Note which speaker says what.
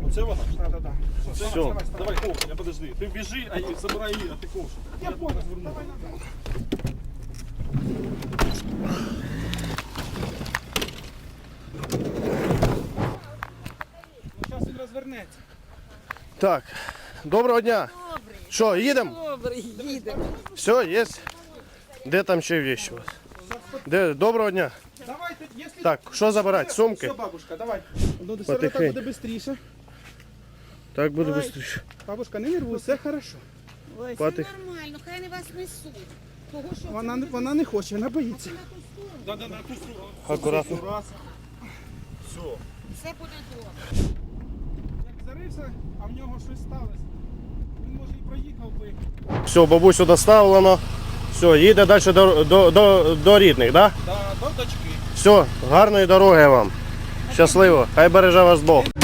Speaker 1: Це вона?
Speaker 2: Да.
Speaker 3: Все.
Speaker 1: Давай, ковш, я подожди. Ти біжи, а забирай її, а ти ковш.
Speaker 2: Я понял, давай назад. Ну, зараз він розвернеться.
Speaker 3: Так, доброго дня. Що, їдемо?
Speaker 4: Добрий, їдемо.
Speaker 3: Все, є. Де там ще вещи у вас? Де? Доброго дня.
Speaker 2: Давайте, якщо...
Speaker 3: Так, що забирати? Сумки?
Speaker 2: Все, бабушка, давай. Ну, все
Speaker 3: Потихеньку.
Speaker 2: так буде швидше.
Speaker 3: Так буде
Speaker 2: Давай.
Speaker 3: швидше.
Speaker 2: Бабушка, не нервуй, все хорошо.
Speaker 4: Ой,
Speaker 3: Патих.
Speaker 4: все нормально, хай не вас несуть. Того, що
Speaker 2: Вона не хоче, вона боїться.
Speaker 1: Да, на ту сторону.
Speaker 3: Акуратно.
Speaker 1: Раз. Все.
Speaker 4: все буде добре.
Speaker 2: Як зарився, а в нього щось сталося. Він може і проїхав би.
Speaker 3: Все, бабусю доставлено. Все, їде далі до рідних, так? Да?
Speaker 1: Да, до дочки.
Speaker 3: Все, гарної дороги вам. Щасливо. Хай береже вас Бог.